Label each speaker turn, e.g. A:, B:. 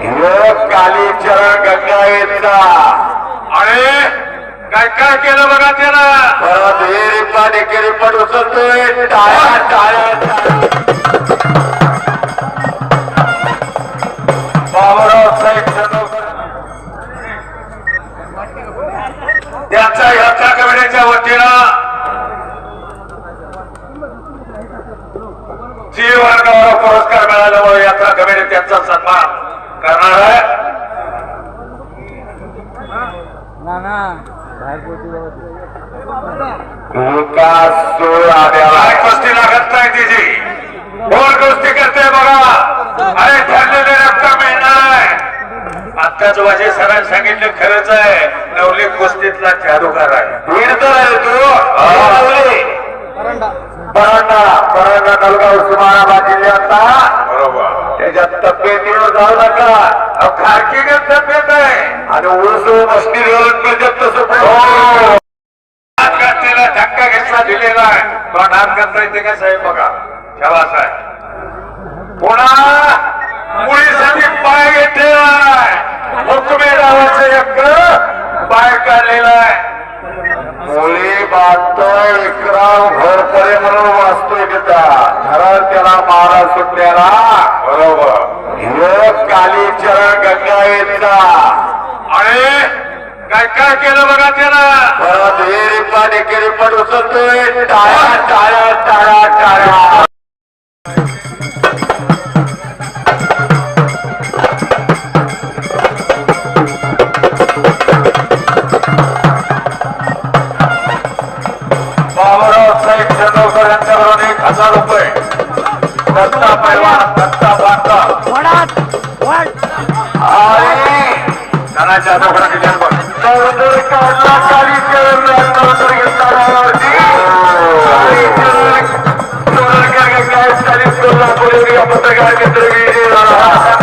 A: कालीचरण गंगावेचा
B: अरे काय काय केलं बघा त्याला.
A: परत हे देखील पण उचलतोय. टाळ्या टाळ्या बाबूराव साहेब
B: त्याचा यात्रा कमिटीच्या वतीनं जी वर्गावर पुरस्कार मिळाल्यामुळे यात्रा कमिटी त्यांचा सन्मान करणार आहे. काय कुस्ती लागत नाही तिची. कोण कुस्ती करते बघा. अरे ठरलेले रक्कम मिळणार आहे. आत्ताच वाजे सरांनी सांगितलं खरंच आहे. नवली कुस्तीतला जादूगार आहे.
A: वीरतर आहे तू. परांडा नलगाव उस्मानाबाद जिल्ह्याचा.
B: बरोबर.
A: त्याच्या तब्येतीवर जाऊ नका. खारकीगत तब्येत आहे आणि उर्स मस्ती
B: त्याला धक्का घेतला दिलेला आहे. तो नाम करता येते का साहेब बघा. शाबास आहे. पुन्हा मुलीसाठी पाय घेतलेला आहे. हुकमे नावाचं एक पाय काढलेला आहे.
A: मुली बांधतोय विक्रम घोरपरे म्हणून वाचतोय घरात त्याला मारा सुटलेला.
B: बरोबर.
A: कालीचरण गंगावेचा
B: अरे काय काय केलं बघा त्याला.
A: परत हे देखील पण उचलतोय. टाळ्या टाळ्या टाळ्या टाळ्या बाबूराव साहेब चंद्रकर यांच्याकडून 1000 रुपये. दत्ता पैलवान दत्ता बांधा
B: धनाच्या दोघांना दिल्या बघ.
A: काढला कालीचरण पत्रकार मित्र